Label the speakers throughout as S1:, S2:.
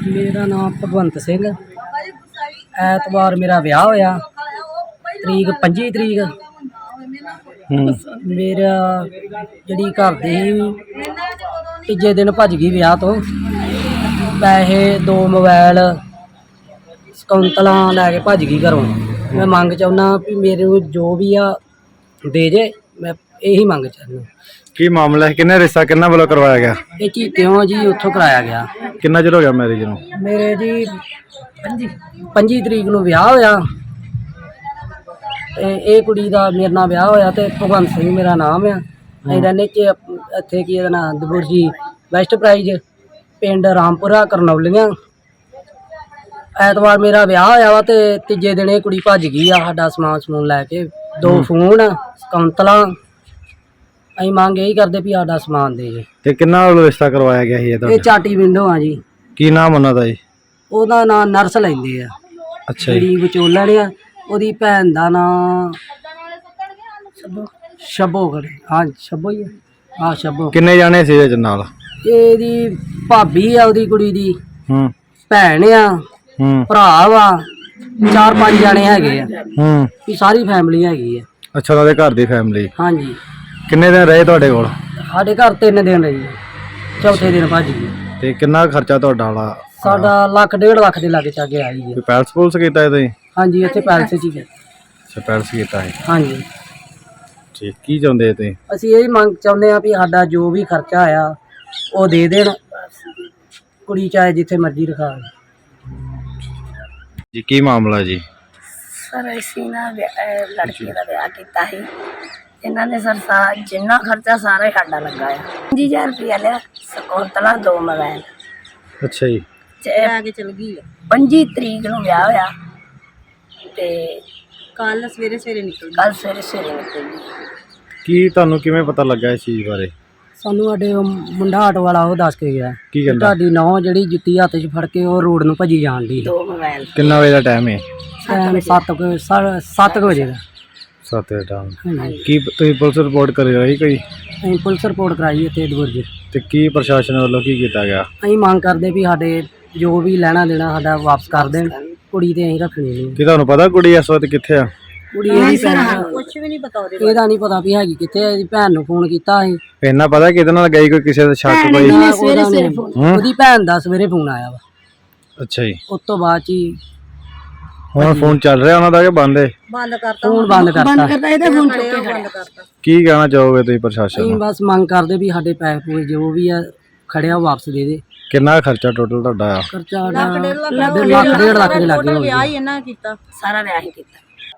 S1: मेरा नाम भगवंत सिंह। ऐतवार मेरा ब्याह होया, तरीक 25 तरीक। मेरा जी घर दी तीजे दिन भज गई ब्याह तो। पैसे 2 मोबाइल सकौंतलां लैके भज गई घरों। मैं मंग चाहुंदा भी मेरे जो भी आ दे जे, मैं यही मंग चाहुंदा।
S2: की मामला है? किन्ने रिश्ता किन्ना वालों करवाया गया?
S1: ये चीत्यों जी उत्थों कराया गया।
S2: किन्ना चिर हो गया मैरिज नूं?
S1: मेरे जी 25 तरीक नूं ब्याह होया ते ये कुड़ी दा मेरे नाल ब्याह होया ते भगवंत सिंह मेरा नाम है। असीं रैह्ने च इत्थे की इहदा नाम दबुरजी वैस्ट प्राइज पिंड रामपुरा करनौलियां। ऐतवार मेरा ब्याह होया वा ते तीजे दिन ये कुड़ी भज गई आ साडा समान समून लैके। 2 फोन सकौंतलां। असीं मंग यही करदे भी साडा समान दे जे।
S2: ते किन्ना वालों रिश्ता करवाया गया
S1: ये
S2: है?
S1: चाटी विंडो आ जी।
S2: की नाम उन्हां दा जी?
S1: ਉਹਦਾ ਨਾਂ ਨਰਸ ਲੈਂਦੇ ਆ।
S2: अच्छा जी।
S1: ਜਿਹੜੀ ਵਿਚੋਲਣ ਆ ਉਹਦੀ ਭੈਣ ਦਾ ਨਾਂ ਸ਼ੱਬੋ ਖੜੇ। ਹਾਂ ਸ਼ੱਬੋ ਹੀ ਆ। ਹਾਂ ਸ਼ੱਬੋ।
S2: किन्ने जाने सी इहदे नाल?
S1: ਇਹਦੀ ਭਾਬੀ ਆ, ਉਹਦੀ ਕੁੜੀ ਦੀ ਭੈਣ ਆ, ਭਰਾ ਵਾ, 4-5 ਜਾਣੇ ਹੈਗੇ ਆ। ਵੀ ਸਾਰੀ ਫੈਮਿਲੀ ਹੈਗੀ ਆ।
S2: अच्छा उन्हां दे घर दी फैमिली।
S1: ਹਾਂਜੀ।
S2: किन्ने दिन रहे तुहाडे कोल?
S1: ਸਾਡੇ ਘਰ 3 ਦਿਨ ਰਹੀ। ਚੌਥੇ ਦਿਨ ਭੱਜ ਗਈ।
S2: ते किन्ना खर्चा तुहाडा वाला?
S1: ਸਾਡਾ 1.5 ਲੱਖ ਦੇ ਲਾਗੇ ਚਾਗੇ ਆਈ ਹੈ।
S2: कोई पैलस पुलस कीता इहदा जी?
S1: ਹਾਂਜੀ ਇੱਥੇ ਪੈਲਸ 'ਚ ਹੀ ਹੈ।
S2: अच्छा पैलस कीता है।
S1: ਹਾਂਜੀ।
S2: ठीक की चाहुंदे तुसीं?
S1: ਅਸੀਂ ਇਹ ਮੰਗ ਚਾਹੁੰਦੇ ਹਾਂ ਵੀ ਸਾਡਾ ਜੋ ਵੀ ਖਰਚਾ ਆਇਆ ਉਹ ਦੇ ਦੇਣ। ਕੁੜੀ ਚਾਹੇ ਜਿੱਥੇ ਮਰਜ਼ੀ ਰਖਾ।
S2: जी की मामला जी?
S3: सर ਅਸੀਂ ਨਾ ਲੜਕੀ ਦਾ ਵਿਆਹ ਕੀਤਾ ਸੀ। ਇਹਨਾਂ ਨੇ ਸਰ ਜਿੰਨਾ ਖਰਚਾ ਸਾਰਾ ਹੀ ਸਾਡਾ ਲੱਗਾ ਆ। 5000 ਰੁਪਇਆ ਲਿਆ, ਸਕੌਂਤਲਾ 2 ਮੋਬਾਈਲ।
S2: अच्छा जी।
S3: ਲੈ ਕੇ ਚਲ ਗਈ। 25 ਤਰੀਕ ਨੂੰ ਵਿਆਹ ਹੋਇਆ ਤੇ ਕੱਲ ਸਵੇਰੇ ਨਿਕਲ ਗਈ।
S2: की तुहानू किवें पता लगा इस चीज़ बारे?
S1: ਸਾਨੂੰ ਸਾਡੇ ਉਹ ਮੁੰਡਾ ਆਟੋ ਵਾਲਾ ਉਹ ਦੱਸ ਕੇ ਗਿਆ
S2: की कहंदा?
S1: ਤੁਹਾਡੀ ਨੌਂ ਜਿਹੜੀ ਜੁੱਤੀ ਹੱਥ 'ਚ ਫੜ ਕੇ ਉਹ ਰੋਡ ਨੂੰ ਭੱਜੀ ਜਾਣ ਦੀ।
S3: 2 ਮੋਬਾਈਲ।
S2: किन्ना बजे दा टाइम है?
S1: 7 ਵਜੇ ਦਾ।
S2: 7 बजे टाइम।
S1: ਹਾਂਜੀ।
S2: की तुसीं पुलिस रिपोर्ट करी रही कोई?
S1: ਅਸੀਂ ਪੁਲਿਸ ਰਿਪੋर्ट ਕਰਾਈ ਇੱਥੇ ਦਬੁਰਜ।
S2: ते की प्रशासन वालों की कीता गया?
S1: ਅਸੀਂ ਮੰਗ ਕਰਦੇ ਵੀ ਸਾਡੇ ਜੋ ਵੀ ਲੈਣਾ ਦੇਣਾ ਸਾਡਾ ਵਾਪਸ ਕਰ ਦੇਣ। ਕੁੜੀ ਤੇ ਅਸੀਂ ਰੱਖਣੀ ਨਹੀਂ।
S2: की तुहानू पता कुड़ी इस वक्त कित्थे आ?
S1: ਕੁੜੀ ਇਹਦੀ ਭੈਣ ਕੁਝ ਵੀ ਨਹੀਂ ਪਤਾ ਉਹਦੇ। ਇਹਦਾ ਨਹੀਂ ਪਤਾ ਵੀ ਹੈਗੀ ਕਿੱਥੇ। ਇਹਦੀ ਭੈਣ ਨੂੰ ਫੋਨ ਕੀਤਾ ਅਸੀਂ।
S2: इन्ना पता किहदे नाल गई कोई किसी दा शक कोई?
S1: ਉਹਦੀ ਭੈਣ ਦਾ ਸਵੇਰੇ ਫੋਨ ਆਇਆ ਵਾ।
S2: अच्छा जी।
S1: ਉਸ ਤੋਂ ਬਾਅਦ 'ਚ ਹੀ
S2: हुण फोन चल रहा उन्हां दा कि बंद है?
S1: ਬੰਦ ਕਰਤਾ। ਫੋਨ ਬੰਦ ਕਰਤਾ।
S3: ਇਹਦਾ ਫੋਨ ਚੁੱਕ ਕੇ ਖੜਿਆ।
S2: की कहना चाहोगे तुसीं प्रशासन
S1: ਅਸੀਂ
S2: नूं?
S1: ਬਸ ਮੰਗ ਕਰਦੇ ਵੀ ਸਾਡੇ ਪੈਸੇ ਪੂਰੇ ਜੋ ਵੀ ਆ ਖੜਿਆ ਉਹ ਵਾਪਸ ਦੇ ਦੇ।
S2: किन्ना खर्चा टोटल तुहाडा आ?
S1: ਖਰਚਾ ਸਾਡਾ 1.5 ਲੱਖ ਦੇ ਲੱਗੇ ਹੋਏ।
S3: ਵਿਆਹ ਹੀ ਇਹਨਾਂ ਕੀਤਾ, ਸਾਰਾ ਵਿਆਹ ਹੀ ਕੀਤਾ।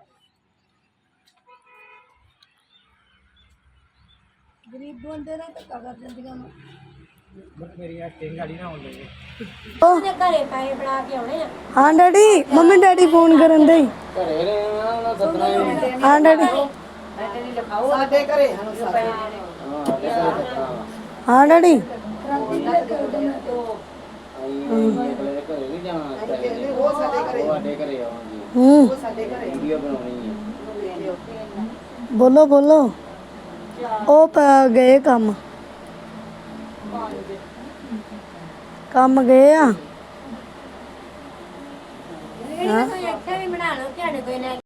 S3: ਗਰੀਬ ਬੰਦੇ ਨਾਲ ਧੱਕਾ ਕਰ ਜਾਂਦੀਆਂ ਨੇ। ਮੇਰੀ ਐਕਟਿੰਗ ਗਾੜੀ ਨਾ ਹੋਣੀ ਉਹਦੇ ਘਰੇ ਪੈਸੇ ਬਣਾ ਕੇ ਆਉਣੇ ਆ। ਹਾਂ ਡੈਡੀ, ਮੰਮੀ ਡੈਡੀ ਫੋਨ ਕਰਨ ਦੇ। ਘਰੇ ਰਹਿਣਾ ਉਹਨਾਂ ਸੱਦਣਾ। ਹਾਂ ਡੈਡੀ ਸਾਡੇ ਘਰੇ ਹਾਂ ਡੈਡੀ। ਬੋਲੋ ਬੋਲੋ। ਉਹ ਗਏ ਕੰਮ ਗਏ ਆ।